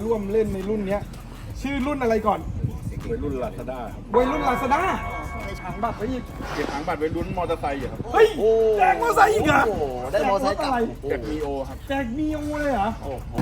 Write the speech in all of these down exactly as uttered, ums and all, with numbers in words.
ร่วมเล่นในรุ่นเนี้ยชื่อรุ่นอะไรก่อนวัยรุ่นลาซาด้าวัยรุ่นลาซาด้าไอ้ถังบัตรไปอีกเก็บถังบัตรวัยรุ่นมอเตอร์ไซค์ครับเฮ้ยแจกมอเตอร์ไซค์อีกเหรอได้มอเตอร์ไซค์กลับแจกมีโอครับแจกมีโอเลยเหรอ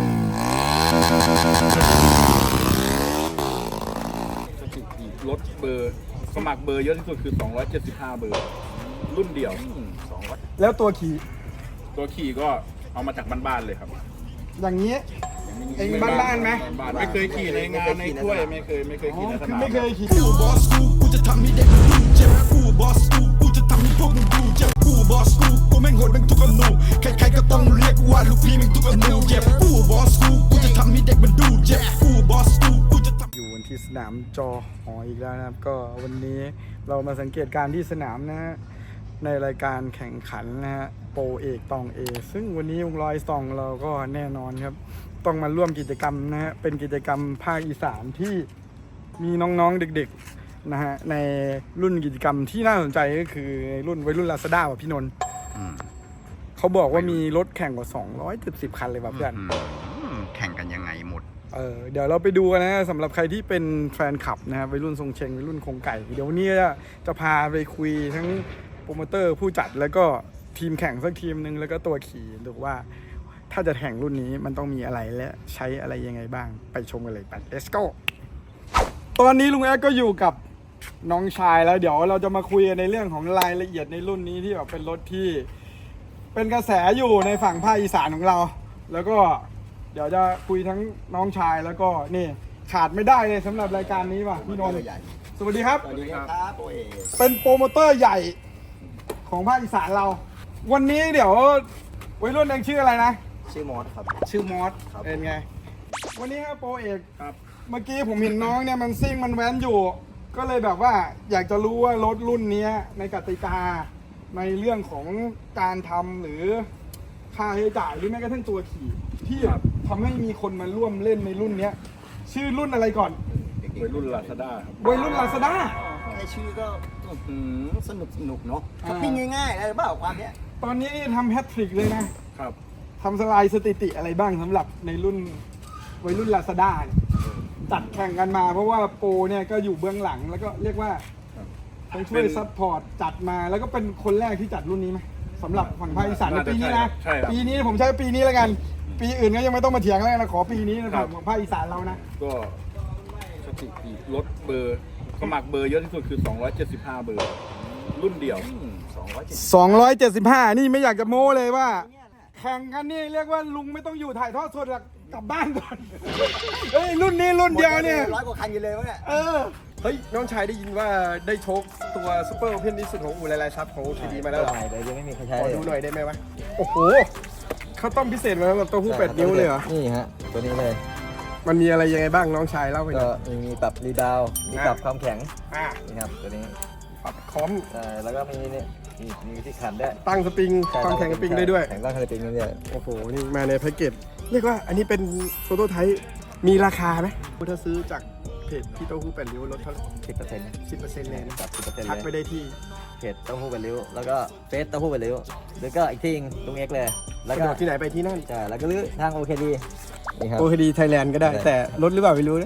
สถิติรถเบอร์สมัครเบอร์เยอะที่สุดคือสองร้อยเจ็ดสิบห้าเบอร์รุ่นเดียวแล้วตัวขี่ตัวขี่ก็เอามาจากบ้านๆเลยครับอย่างนี้เองบ้านๆไหมไม่เคยขี่ในงานในถ้วยไม่เคยไม่เคยขี่ในสนามไม่เคยขี่กูบอสกูกูจะทำให้เด็กมันดูเจ็บกูบอสกูกูจะทำให้พวกมึงดูเจ็บกูบอสกูกูแม่งโหดแม่งทุกอนูใครๆก็ต้องเรียกว่าลูกพี่แม่งทุกอนูเจ็บกูบอสกูกูจะทำให้เด็กมันดูเจ็บกูบอสกูกูจะทำอยู่ที่สนามจอหออีกแล้วนะครับก็วันนี้เรามาสังเกตการที่สนามนะฮะในรายการแข่งขันนะฮะโปรเอกตองเอซึ่งวันนี้วงร้อยซองเราก็แน่นอนครับต้องมาร่วมกิจกรรมนะฮะเป็นกิจกรรมภาคอีสานที่มีน้องๆเด็กๆนะฮะในรุ่นกิจกรรมที่น่าสนใจก็คือรุ่นวัยรุ่นลาซาด้าว่ะพี่นนท์เขาบอกว่ามีรถแข่งกว่าสองร้อยเจ็ดสิบคันเลยแบบเพื่อนแข่งกันยังไงหมดเออเดี๋ยวเราไปดูกันนะสำหรับใครที่เป็นแฟนคลับนะครับวัยรุ่นทรงเชงวัยรุ่นโครงไก่เดี๋ยววันนี้จะพาไปคุยทั้งโปรโมเตอร์ผู้จัดแล้วก็ทีมแข่งสักทีมหนึ่งแล้วก็ตัวขี่ดูว่าถ้าจะแข่งรุ่นนี้มันต้องมีอะไรและใช้อะไรยังไงบ้างไปชมกันเลยไป let's go ตอนนี้ลุงแอ๊กก็อยู่กับน้องชายแล้วเดี๋ยวเราจะมาคุยกันในเรื่องของรายละเอียดในรุ่นนี้ที่แบบเป็นรถที่เป็นกระแสอยู่ในฝั่งภาคอีสานของเราแล้วก็เดี๋ยวจะคุยทั้งน้องชายแล้วก็นี่ขาดไม่ได้เลยสำหรับรายการนี้ว่ะพี่นนท์สวัสดีครับสวัสดีครับโอเอเป็นโปรโมเตอร์ใหญ่ของภาคอีสานเราวันนี้เดี๋ยววัยรุ่นเองชื่ออะไรนะชื่อมอสครับชื่อมอสเป็นไงวันนี้ครับโปรเอกครับเมื่อกี้ผมเห็นน้องเนี่ยมันซิ่งมันแว้นอยู่ก็เลยแบบว่าอยากจะรู้ว่ารถรุ่นนี้ในกติกาในเรื่องของการทำหรือค่าใช้จ่ายหรือแม้กระทั่งตัวขี่ที่ทำให้มีคนมาร่วมเล่นในรุ่นนี้ชื่อรุ่นอะไรก่อนวัยรุ่นลาซาด้าครับวัยรุ่นลาซาด้าแค่ชื่อก็สนุกสนุกเนาะช้อปปิ้งง่ายๆอะไรบ้างความเนี้ยตอนนี้ทำแฮตทริกเลยนะครับทำสไลด์สถิติอะไรบ้างสำหรับในรุ่นวัยรุ่นลาซาด้าจัดแข่งกันมาเพราะว่าโปรเนี่ยก็อยู่เบื้องหลังแล้วก็เรียกว่าต้องช่วยซัพพอร์ตจัดมาแล้วก็เป็นคนแรกที่จัดรุ่นนี้ไหมสำหรับฝั่งภาคอีสานในปีนี้นะปีนี้ผมใช้ปีนี้แล้วกันปีอื่นก็ยังไม่ต้องมาเถียงแล้วนะขอปีนี้นะฝั่งภาคอีสานเรานะก็สถิติรถเบอร์สมัครเบอร์เยอะที่สุดคือสองร้อยเจ็ดสิบห้าเบอร์รุ่นเดียวสองร้อยเจ็ดสิบห้านี่ไม่อยากจะโม้เลยว่าแข่งกันนี่เรียกว่าลุงไม่ต้องอยู่ถ่ายทอดสดหรอกกลับบ้านก่อนเฮ้ยรุ่นนี้รุ่นเดียวเนี่ยร้อยกว่าคันอยู่เลยวะเนี่ยเออเฮ้ยน้องชายได้ยินว่าได้โชคตัวซูเปอร์โอเพ่นที่สุดของอู่ไรไรซับของ โอ ที ดี มาแล้วเหรอเดี๋ยวยังไม่มีใครใช้ขอดูหน่อยได้ไหมวะโอ้โหเขาต้องพิเศษมาแล้วตัวผู้แปดนิ้วเลยเหรอนี่ฮะตัวนี้เลยมันมีอะไรยังไงบ้างน้องชายเล่าไปหน่ก็อยมีปรับรีบาวมีปรับความแข็งนี่ครับตัวนี้ปรับคอมแล้วก็มีนี่มีที่ขันได้ตั้งสปริงความแข็งสปริงได้ด้วยแข็งตั้งสปริงได้ด้วยโอ้โหนี่มาในแพ็กเกจเรียกว่าอันนี้เป็นโฟโต้ไทป์มีราคาไหมถ้าซื้อจากเพจพี่เต้าหู้แปดริ้วลดเท่าไหร่สิบเปอร์เซ็นต์สิบเปอร์เซ็นต์เลยนะครับสิบเปอร์เซ็นต์ทักไปได้ที่เพจเต้าหู้แปดริ้วแล้วก็เฟซเต้าหู้แปดริ้วแล้วก็อีกที่ลุงเอ็กเลยแล้วก็ที่ไหนไปที่นั่นใช่แล้วก็ลื้อทางโอเคดีนี่ครับโอเคดีไทยแลนด์ก็ได้แต่ลดหรือเปล่าไม่รู้นะ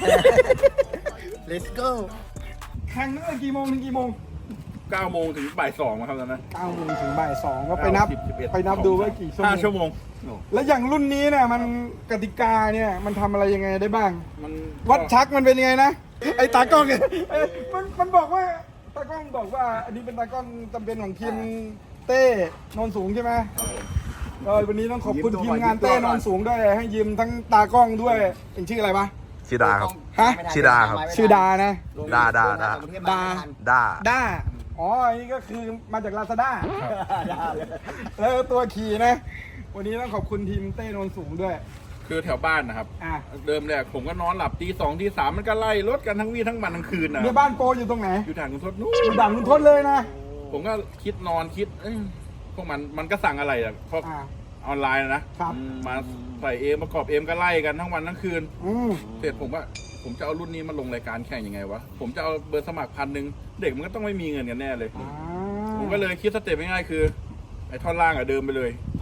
let's go แข่งตั้งแต่กี่โมงถึงกี่โมงเก้าโมงถึงบ่ายสองครับตอนนั้นเก้าโมงถึงบ่ายสองก็ไปนับไปนับดูว่ากี่ชั่วโมงห้าชั่วโมงแล้วอย่างรุ่นนี้เนี่ยมันกติกาเนี่ยมันทำอะไรยังไงได้บ้างมันวัดชักมันเป็นยังไงนะไอ้ตากล้องเนี่ยมันมันบอกว่าตากล้องบอกว่าอันนี้เป็นตากล้องจำเป็นของทีมเต้นนสูงใช่ไหมเออวันนี้ต้องขอบคุณทีมงานเต้นนสูงด้วยให้ยืมทั้งตากล้องด้วยเองชื่ออะไรปะชื่อดาครับฮะชื่อดาครับชื่อดานะดาดาดาดาดาดาอ๋ออันนี้ก็คือมาจากลาซาด้าแล้วตัวขี่นะวันนี้ต้องขอบคุณทีมเต้นนสูงด้วยคือแถวบ้านนะครับเดิมเนี่ยผมก็นอนหลับตีสองตีสามมันก็ไล่รถกันทั้งวี่ทั้งวันทั้งคืนนะเนี่ยบ้านโปอยู่ตรงไหนอยู่ด่านคุณทศนู้นอยู่ด่านคุณทศเลยนะผมก็คิดนอนคิดพวกมันมันก็สั่งอะไรอ่ะเพราะออนไลน์นะมาใส่เอมประกอบเอมก็ไล่กันทั้งวันทั้งคืนเสร็จผมว่าผมจะเอารุ่นนี้มาลงรายการแข่งยังไงวะผมจะเอาเบอร์สมัครพันหนึ่งเด็กมันก็ต้องไม่มีเงินกันแน่เลยผมก็เลยคิดสเต็ปง่ายๆคือไอ้ท่อนล่างอะเดิมไปเลย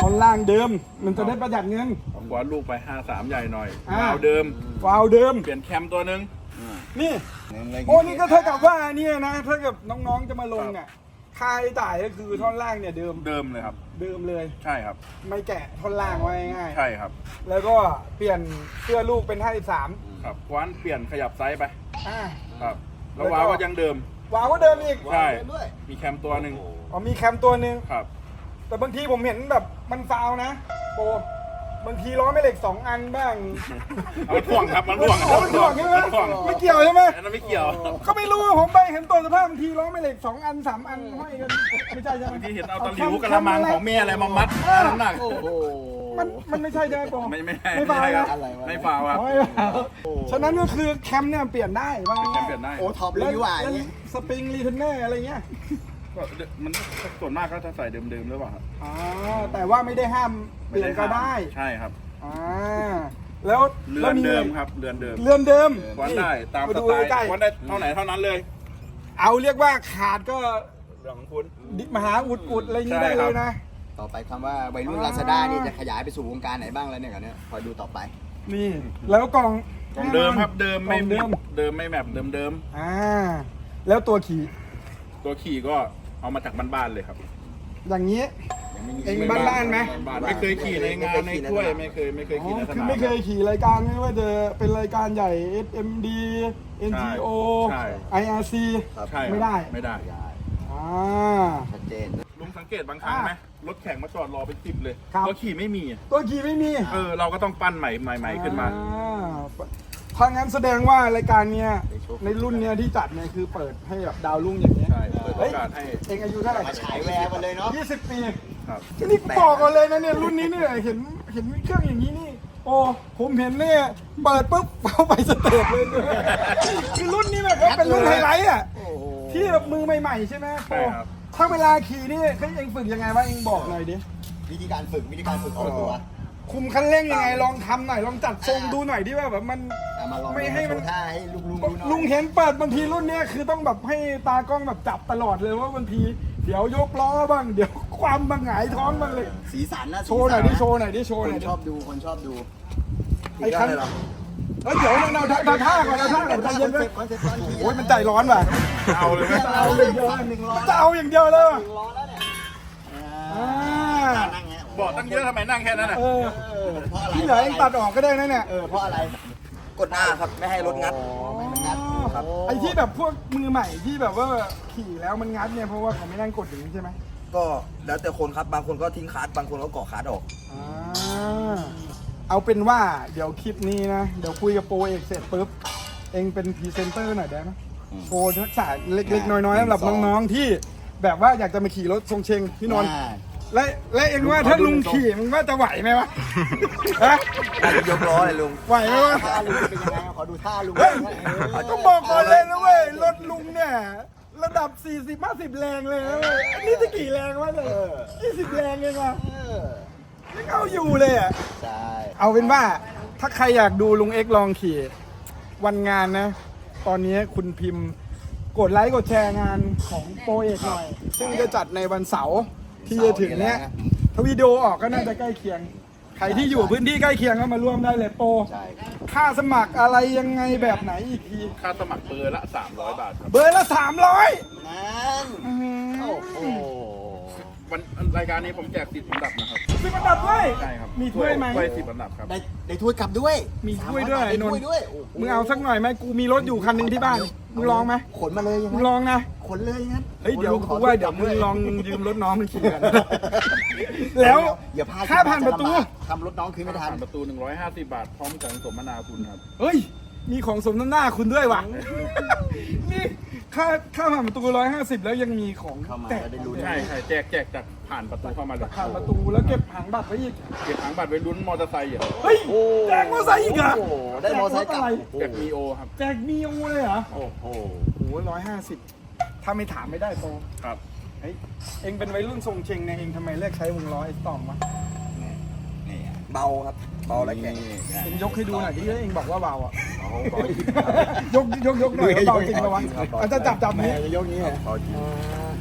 ท่อนล่างเดิม มันจะได้ประหยัดเงินผมกว่าลูกไปห้าสามใหญ่หน่อยอ่าวาล์วเดิมวาล์วเดิมเปลี่ยนแคมตัวหนึงนี่ โอ้นี่ก็เท่ากับว่าเนี่ยนะถ้าเกิดน้องๆจะมาลงอ่ะค่าใช้จ่ายก็คือท่อนล่างเนี่ยเดิมเดิมเลยครับเดิมเลยใช่ครับไม่แกะท่อนล่างไว้ง่ายๆใช่ครับแล้วก็เปลี่ยนเสื้อลูกเป็นห้าสิบสามครับคว้านเปลี่ยนขยับไซส์ไปอ่าครับแล้ววาล์วก็ยังเดิมวาล์วก็เดิมอีกใช่ด้วยมีแคมตัวหนึ่งอ๋อมีแคมตัวหนึ่งครับแต่บางทีผมเห็นแบบมันฟาวนะโปบางทีล้อไม่เหล็กสองอันบ้างเอามันถ่วงครับมันถ่วงเอามันถ่วงใช่ไหมนถ่วงไม่เกี่ยวใช่ไหมอันนั้นไม่เกี่ยวก็ไม่รู้ว่าผมไปเห็นตัวสภาพบางทีล้อไม่เหล็กสองอันสามอันห้อยกันไม่ใช่ใช่ไหมบางทีเห็นเอาตะหลิวกระมังของแม่อะไรมามัดน้ำหนักโอ้โหมันมันไม่ใช่ใช่ไหมโปไม่ไม่ไม่ฟาวไม่ครันะบอะไรวะไม่ฟาวครับไม่ฟาวฉะนั้นก็คือแคมเนี่ยเปลี่ยนได้บางแคมเปลี่ยนได้โอ้ท็อปเลยดีกว่าอย่างแล้วเงี้ยสปริงรีเทนเนอร์อะไรเงี้ยก็มันส่วนมากก็จะใส่เดิมๆหรือเปล่าครับอ๋อแต่ว่าไม่ได้ห้ามเปลี่ยนก็ได้ใช่ครับอ่าแล้วเรืแล้อวน มีเดิมครับเรือนเดิมเรือนเดิมวันได้ตามมาสดูไตล์ใกล้วันได้เท่าไหนเท่านั้นเลยๆเอาเรียกว่าขาดก็เรื่องของคุณดิมหาอุดอุดอะไรอย่างนี้ใช่ได้คเลรับยนะต่อไปคำว่าวัยรุ่นลาซาด้านี่จะขยายไปสู่วงการไหนบ้างแล้วเนี่ยกันเนี่ยคอยดูต่อไปนี่ แล้วกล่องของเดิมครับเดิมไม่กล่องเดิมเดิมไม่แบบเดิมเดิมอ่าแล้วตัวขี่ๆตัวขี่ก็เอามาจากบ้านๆเลยครับอย่างนี้ยังไม่มีเองบ้านๆไหมบ้านๆไม่เคยขี่ในงานในถ้วยไม่เคยไม่เคยอ๋อขี่ในสคือนามไม่เคยขี่รายการไม่ว่าจะเป็นรายการใหญ่ เอส เอ็ม ดี เอ็น ที โอใช่ไอ อาร์ ซีใช่ครับไม่ได้ไม่ได้อ่าชัดเจนลุงสังเกตบางครั้งไหมรถแข่งมาจอดรอเป็นสิบเลยครับตัวขี่ไม่มีตัวขี่ไม่มีเออเราก็ต้องปั้นใหม่ใหม่ๆขึ้นมาอ่ถ้างั้นแสดงว่ารายการเนี้ยในรุ่นเนี้ยที่จัดเนี่ยคือเปิดให้แบบดาวรุ่งอย่างเงี้ยใช่เปิดโอกาสให้เองอายุเท่าไหร่มาฉายแววกันเลยเนาะยี่สิบปีครับนี่บอกกันเลยนะเนี่ยรุ่นนี้เนี่ยเห็นเห็นเครื่องอย่างนี้นี่ โอ้ผมเห็นเนี่ยเปิดปุ๊บเข้าไปสเตจเลยเนี่ยคือรุ่นนี้แบบว่าเป็นรุ่นไฮไลท์อ่ะโอ้โหที่แบบมือใหม่ๆใช่ไหมใช่ครับถ้าเวลาขี่นี่เฮ้ยเองฝึกยังไงวะเองบอกหน่อยดิวิธีการฝึกวิธีการฝึกของตัวคุมคันเร่งยังไงลองทำหน่อยลองจัดทรงดูหน่อยดิว่าแบบมันเอามาลองไม่ให้มันโชว์ท่าให้ลุงลุงดูหน่อยลุงเห็นเปิดบางทีรุ่นเนี้ยคือต้องแบบให้ตากล้องแบบจับตลอดเลยว่าบางทีเดี๋ยวยกล้อบ้างเดี๋ยวความบางหงายท้องบ้างเลยสีสันนะโชว์หน่อยดิสีสัะโชว์หน่อยดิโชว์คหน่อยนดิชอบดูคนชอบดูไอ้คันเอ้ยเดี๋ยวเราเราเราท่าก่อนเราท่าก่อนใจคเย็อน นเลเซ็ยปต์คอนเซ็ปต์ตอนขี่โอ้ยมันใจร้อนว่ะเอาเลยไหมเอาหนึ่งล้อหนึ่งล้อจะเอาอย่างเดียวเลยว่ะหนึ่งล้อแล้วเนี่ยอ่านั่งไงบอกตั้งเยอะทำไมนั่งแค่นั้นอ่ะเออเออเพราะอะไรที่เหลือเองตัดออกก็ได้นะเนี่ยเออเพราะอะไร กดหน้าครับไม่ให้รถงัดไม่ให้มันงัดครับไอ้ที่แบบพวกมือใหม่ที่แบบว่าขี่แล้วมันงัดเนี่ยเพราะว่าเขาไม่นั่งกดอย่างนี้ใช่ไหมก็แล้วแต่คนครับ บางคนก็ทิ้งคาร์ดบางคนก็เกาะคาร์ดออกอ่าเอาเป็นว่าเดี๋ยวคลิปนี้นะ เดี๋ยวคุยกับโปรเอกเสร็จปุ๊บ เองเป็นพรีเซนเตอร์หน่อยได้ไหมโชว์ทักษะเล็กๆ น้อยๆสำหรับน้องๆที่แบบว่าอยากจะมาขี่รถทรงเชงพี่นนท์อ่าและและเองว่าถ้าลุงขี่มันว่าจะไหวไหมวะฮะอาจจะยกล้อเลยลุงไหวไหมวะท่าลุงเป็นยังไงขอดูท่าลุงเฮ้ยเออต้องบอกก่อนเลยนะเว้ยรถลุงเนี่ยระดับ สี่สิบ ห้าสิบ แรงเลยนะเว้ยอันนี้จะกี่แรงวะเนี่ยยี่สิบแรงเองวะเออยังเอาอยู่เลยอ่ะใช่เอาเป็นว่าถ้าใครอยากดูลุงเอ็กซ์ลองขี่วันงานนะ ตอนนี้คุณพิมพ์กดไลค์กดแชร์งานของโปรเอกหน่อย ซึ่งจะจัดในวันเสาร์ที่จะถึงเนี้ยถ้าวิดีโอออกก็น่าจะใกล้เคียง ใครที่อยู่พื้นที่ใกล้เคียงก็มาร่วมได้เลยโปรใช่ค่าสมัครอะไรยังไงแบบไหนอีกทีค่าสมัครเบอร์ละสามร้อยบาทครับเบอร์ละสามร้อยนั่นโอ้โหวันรายการนี้ผมแจกสิบอันดับนะครับสิบอันดับด้วยใช่ครับมีถ้วยไหมถ้วยสิบอันดับครับได้ได้ถ้วยกลับด้วยมีถ้วยด้วยได้ไอ้นนถ้วยท์ด้วยโอ้โหมึงเอาสักหน่อยไหมกูมีรถอยู่คันหนึ่งที่บ้านมึงลองไหมขนมาเลยยังมึไงงลองนะขนเลยงั้นเฮ้ยเดี๋ยวลุงขกูอว่าเดี๋ยวมึงลองยืมรถน้องมึงขี่กัน แล้วอย่าพลาดค่าผ่านประตูทำรถน้องคืนไม่ทันผ่านประตูหนึ่งร้อยห้าสิบบาทพร้อมของสมนาคุณครับเฮ้ย มีของสมน้ำหน้าคุณด้วยวะนี่ค่าค่าผ่านประตูร้อยห้าสิบแล้วยังมีของเข้ามาแจกแล้วได้รู้ใช่ใช่แจกแจกจากผ่านประตูเข้ามาเลยผ่านประตูแล้วเก็บหางบัตรไว้อีกเก็บถังบัตรไว้ลุ้นมอเตอร์ไซค์อ่ะเฮ้ย แจกมอเตอร์ไซค์อีกเหรอโอ้โหได้มอเตอร์ไซค์กลับแจกรถอะไรแจกมีโอครับแจกมีโอเลยเหรอโอ้โหโอ้โหร้อยห้าสิบถ้าไม่ถามไม่ได้โตครับเฮ้ย เองเป็นวัยรุ่นทรงเชงเนี่ยเองทำไมเลือกใช้วงล้อไอ้ตอมวะนี่อ่ะเบาครับ เบาและแข็งเองยกให้ดูหน่อยดิเองบอกว่าเบาอ่ะเอาเบาจริงยกยกยกหน่อยว่าเบาจริงปะวะอาจจะจับจับนี้แม่จะยกนี้เหรอเบาจริงโ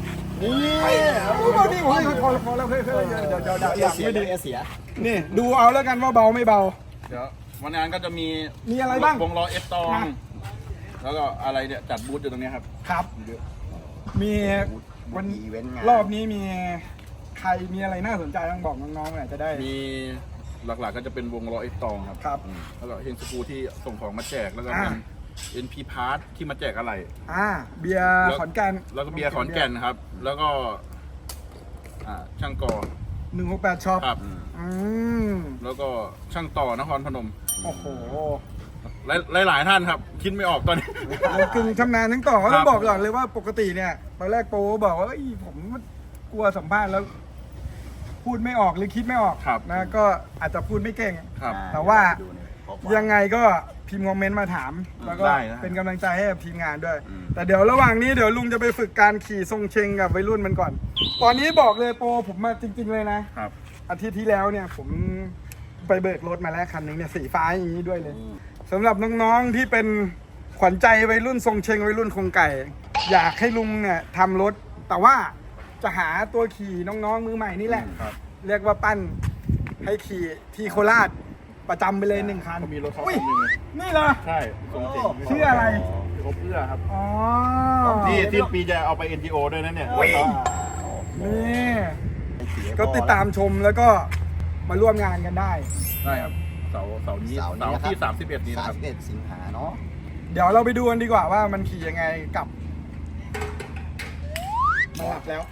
นี่เบาดิโอ้ยพอพอแล้วเฮ้ยเฮ้ยเดี๋ยวเดี๋ยวเดี๋ยวเอเดี๋ยวเสียไม่ดีเอเสียนี่ดูเอาแล้วกันว่าเบาไม่เบาเดี๋ยววันงานก็จะมีมีอะไรบ้างวงล้อเอฟตองมาแล้วก็อะไรเนี่ยจัดบูธอยู่ตรงเนี้ยครับครับ มีวันมีอีเวนต์งานรอบนี้มีใครมีอะไรน่าสนใจบ้างบอกน้องๆหน่อยจะได้มีหลักๆก็จะเป็นวงล้อเอฟตองครับครับอืมแล้วก็เฮงสกูที่ส่งของมาแจกแล้วก็อ่าเป็น เอ็น พี Part ที่มาแจกอะไรอ่าเบียร์ขอนแก่นแล้วก็เบียร์ขอนแก่นครับ แล้วก็อ่าช่างกอหนึ่งหกแปดช็อปครับอืมแล้วก็ช่างต่อนครพนมโอ้โหหลายหลายๆท่านครับ คิดไม่ออกตอนนี้เรากึ่งชำนาญทั้งต่อก็ต้องครับบอกก่อนเลยว่าปกติเนี่ยตอนแรกโปบอกว่าเอ้ยผมกลัวสัมภาษณ์แล้ว พูดไม่ออกหรือคิดไม่ออกครับนะก็อาจจะพูดไม่เก่งครับแต่ว่าดูในข้อความยังไงก็พิมพ์คอมเมนต์มาถาม แล้วก็ได้นะเป็นกำลังใจให้กับทีมงานด้วยอืมแต่เดี๋ยวระหว่างนี้เดี๋ยวลุงจะไปฝึกการขี่ทรงเชงกับวัยรุ่นมันก่อน ตอนนี้บอกเลยโปผมมาจริง ๆ เลยนะครับอาทิตย์ที่แล้วเนี่ยผมไปเบิกรถมาแล้วคันหนึงเนี่ยสีฟ้าอย่างนี้ด้วยเลยสำหรับน้องๆที่เป็นขวัญใจวัยรุ่นทรงเชงวัยรุ่นคงไก่ อยากให้ลุงเนี่ยทำรถ แต่ว่าจะหาตัวขี่น้องๆมือใหม่นี่แหละครับเรียกว่าปั้นให้ขี่ที่โคราชประจำไปเลยหนึ่งคันก็มีรถเขาอุ้ยคันหนึงเลยนี่เหรอใช่ทรงเจ๋งชื่ออะไรครบเพื่อครับอ๋อนี่สิ้นปีจะเอาไป เอ็น จี โอ ด้วยนะเนี่ยอุ้ย นี่ก็ติดตามชมแล้วก็มาร่วมงานกันได้ได้ครับเสาร์เสาร์นี้เสาร์นี้เสาร์นะครับที่สามสิบเอ็ดนี้นะสาคมรับสิบเอ็ดสิงหาเนาะเดี๋ยวเราไปดูกันดีกว่าว่ามันขี่ยังไงกับมาหลับแล้ว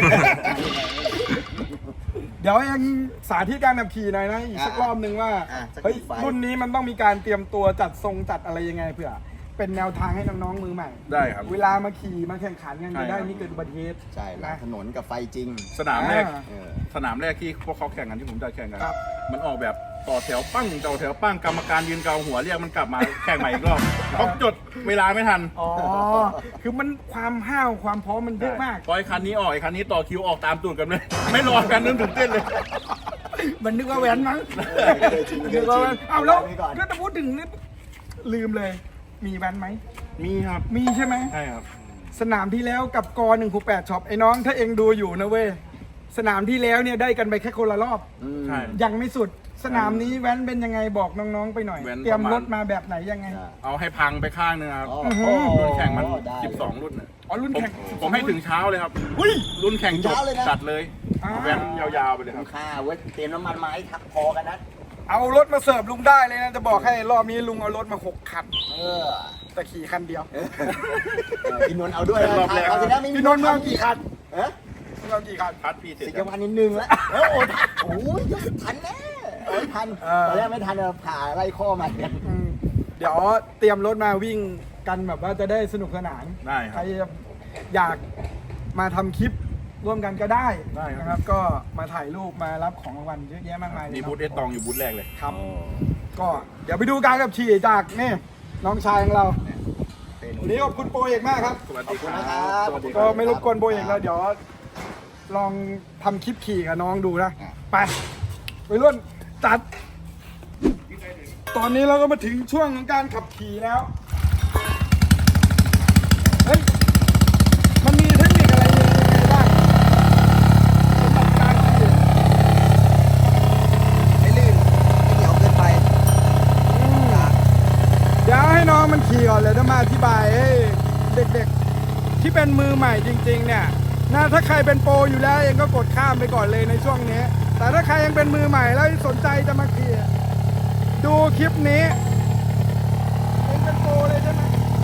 เดี๋ยวยังสาธิตการขับขี่หน่อยนะอีกสักรอบนึงว่าอ่ะสักเฮ้ยกี่ไฟรุ่นนี้มันต้องมีการเตรียมตัวจัดทรงจัดอะไรยังไงเผื่อ เป็นแนวทางให้น้องๆมือใหม่ได้ครับเวลามาขี่มาแข่งขันกันใช่จะได้ครับไม่เกิดอุบัติเหตุใช่แล้วถนนกับไฟจริงสนามแรกอ่าเออสนามแรกที่พวกเขาแข่งกันที่ผมจะแข่งกันครับมันออกแบบต่อแถวปั้งต่อแถวปั้งกรรมการยืนเกาหัวเรียกมันกลับมาแข่งใหม่อีกรอบเขาจดเวลาไม่ทันอ๋อ คือมันความห้าวความพร้อมมันเยอะมากพอไอ้คันนี้ออกไอ้คันนี้ต่อคิวออกตามตูดกันเลย ไม่รอกันนึกถึงเต้นเลยมันนึกว่าแหวนมั้งเออเคยจริงเคนึยกจว่าริแหวงนเอาแล้วไว้ก่อนก็จะพูดถึงนี่ลืมเลย มีแหวนไหมมีครับมีใช่ไหมใช่ครับสนามที่แล้วกับกอหนึ่งหกแปดช็อปไอ้น้องถ้าเองดูอยู่นะเว้ย สนามที่แล้วเนี่ยได้กันไปแค่คนละรอบอืมใช่ยังไม่สุด สนามนี้แว้นเป็นยังไงบอกน้องๆไปหน่อยแว้นเตรียมประมาณรถมาแบบไหนยังไงเอาให้พังไปข้างนึงครับอ๋อรุ่นแข่งมันได้สิบสองรุ่นน่ะอ๋อรุ่นผมแข่งผมให้ถึงเช้าเลยครับอุ้ยรุ่นแข่งจบถึงเช้าเลยนะจัดเลยอ่าแว้นยาวๆไปเลยคคุ้รัมบค่าเว้ยเตรียมน้ำมันมาให้ทักพอกันนะเอารถมาเสิร์ฟลุงได้เลยนะจะบอกให้รอบนี้ลุงเอารถมาหกคันเออแต่ขี่คันเดียวเออพี่นนท์เอาด้วยนะรอบแรกเอาสินะไม่มีพี่นนท์มากี่คันเออลุงเอากี่คันพัดพี่เสร็จสิบแล้ววันนิดนึงแล้วเออโอ้ยโอ้ยทันแน่โอ้ยทันเออตอนแรกไม่ทันเออผ่าไล่ข้อมากันอืมเดี๋ยวเตรียมรถมาวิ่งกันแบบว่าจะได้สนุกสนานได้คใครรับอยากมาทำคลิปร่วมกันก็ได้ได้ครับนะครับ ก็มาถ่ายรูปมารับของรางวัลเยอะแยะมากมายเลยมีเนาะบูธเอสตองอยู่บูธแรกเลยครับ ก็เดี๋ยวไปดูการกับขี่จากนี่น้องชายของเราวันนี้ขอบคุณโปรเอกมากครับสวัสดีครัขอบคุณนะครับบสวัสดีคก็รับไม่รบกวนโปรเอกแล้วเดี๋ยวลองทำคลิปขี่กับน้องดูนะ ไปไปรุ่นจัด ตอนนี้เราก็มาถึงช่วงของการขับขี่แล้ว เฮ้ย มันมีเทคนิคอะไรยังไงบ้างสำหรับการขี่ไม่ลื่นไม่เหนียวเกินไปเดี๋ยวให้น้องมันขี่ก่อนเลยจะมาอธิบายให้เด็กๆที่เป็นมือใหม่จริงๆเนี่ยนะถ้าใครเป็นโปรอยู่แล้วเองก็กดข้ามไปก่อนเลยในช่วงนี้ แต่ถ้าใครยังเป็นมือใหม่แล้วสนใจจะมาขี่ดูคลิปนี้เองเป็นโปรเลยใช่ไหม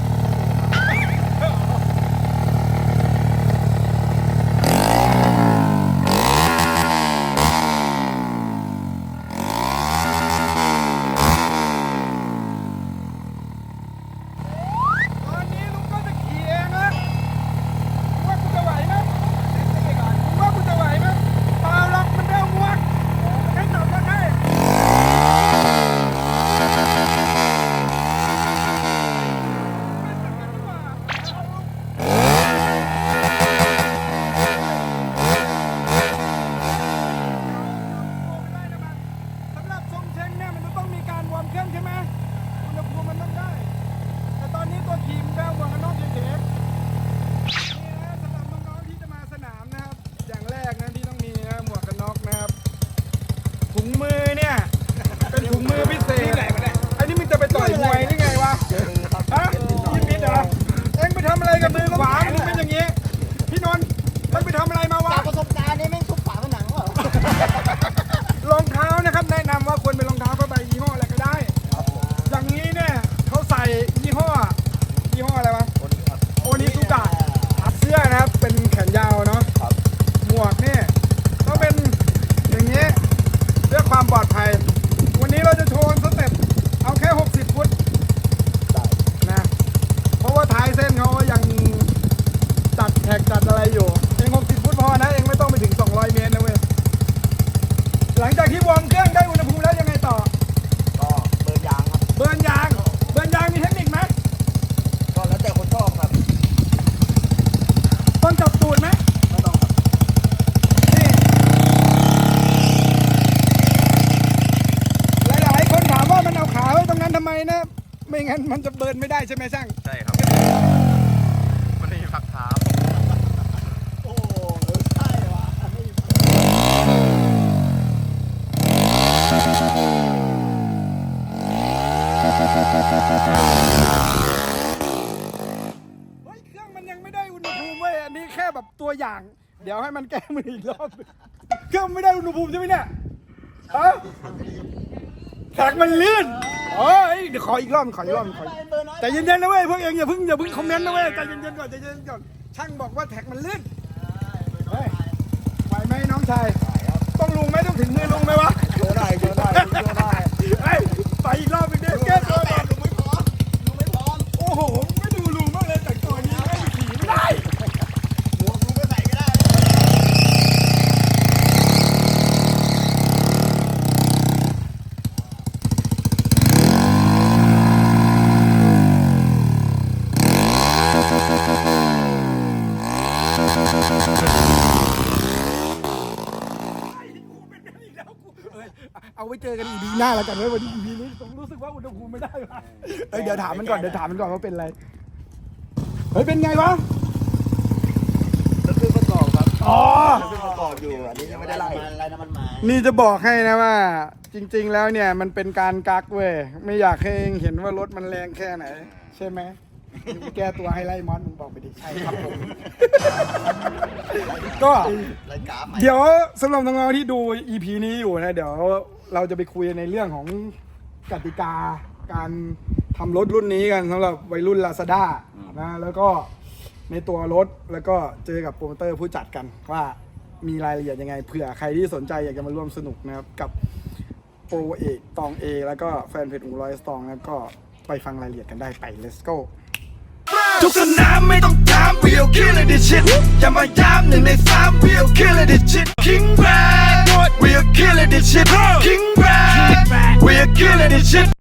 ตอนนี้ลุงก็จะขี่เองนะลุงว่ากูจะไหวไหมลุงว่ากูจะไหวไหมเปล่าหรอกมันเร็วมวกให้จับมาให้ไม่งั้นมันจะเบิร์นไม่ได้ใช่ไหมช่างใช่ครับมันไม่มีผักเท้าโอ้ใช่ว่ะเฮ้ยเครื่องมันยังไม่ได้อุณหภูมิเว้ยอันนี้แค่แบบตัวอย่าง เดี๋ยวให้มันแก้มืออีกรอบเครื่องไม่ได้อุณหภูมิใช่ไหมเนี่ยฮะแท็กมันลื่นโอ้ยเดี๋ยวขออีกรอบขออีกรอบขอแต่เย็นๆนะเว้ยพวกเองอย่าเพิ่งอย่าเพิ่งคอมเมนต์นะเว้ยใจเย็นๆก่อนใจเย็นๆก่อนช่างบอกว่าแท็กมันลื่นเฮ้ยไหวไหมน้องชายต้องลุงไหมต้องถึงมือลุงไหมวะโชว์ได้โชว์ได้โชว์ได้เฮ้ยไปอีกรอบอีกเดียวแก้ตัวก่อนลุงไม่พร้อมลุงไม่พร้อมโอ้โหไม่ดูลุงมากเลยแต่งตัวนี้ไม่ขี่ไม่ได้หมวกลุงไม่ใส่ก็ได้เอาไว้เจอกันอีพีหน้าแล้วกันเว้ยวันนี้อีพีนี้ผมรู้สึกว่าอุณหภูมิไม่ได้ว่ะเอ้ยเดี๋ยวถามมันก่อนเดี๋ยวถามมันก่อนว่าเป็นอะไรเฮ้ยเป็นไงวะก็คือประกอบครับอ๋อคือประกอบอยู่อันนี้ยังไม่ได้ไล่ไล่น้ำมันมานี่จะบอกให้นะว่า จริง ๆ แล้วเนี่ยมันเป็นการกักเว้ยไม่อยากให้เห็นว่ารถมันแรงแค่ไหน ใช่ไหมแก้ตัวให้ไล่มอสมึงบอกไปดิใช่ครับผม ก็รายการใหม่เดี๋ยวสำหรับน้องๆที่ดู อี พี นี้อยู่นะเดี๋ยวเราจะไปคุยในเรื่องของกติกาการทำรถรุ่นนี้กันสำหรับวัยรุ่น Lazada นะแล้วก็ในตัวรถแล้วก็เจอกับโปรโมเตอร์ผู้จัดกันว่ามีรายละเอียดยังไงเผื่อใครที่สนใจอยากจะมาร่วมสนุกนะครับกับโปรเอกตองเอแล้วก็แฟนเพจอูร้อยสตองนะครับก็ไปฟังรายละเอียดกันได้ไป let's go ทุกสนามไม่ต้องถาม we'll kill it this shit อย่ามาย้ำหนึ่งในสาม we'll kill it this shit King Brad we'll kill it this shit King Brad we'll kill it this shit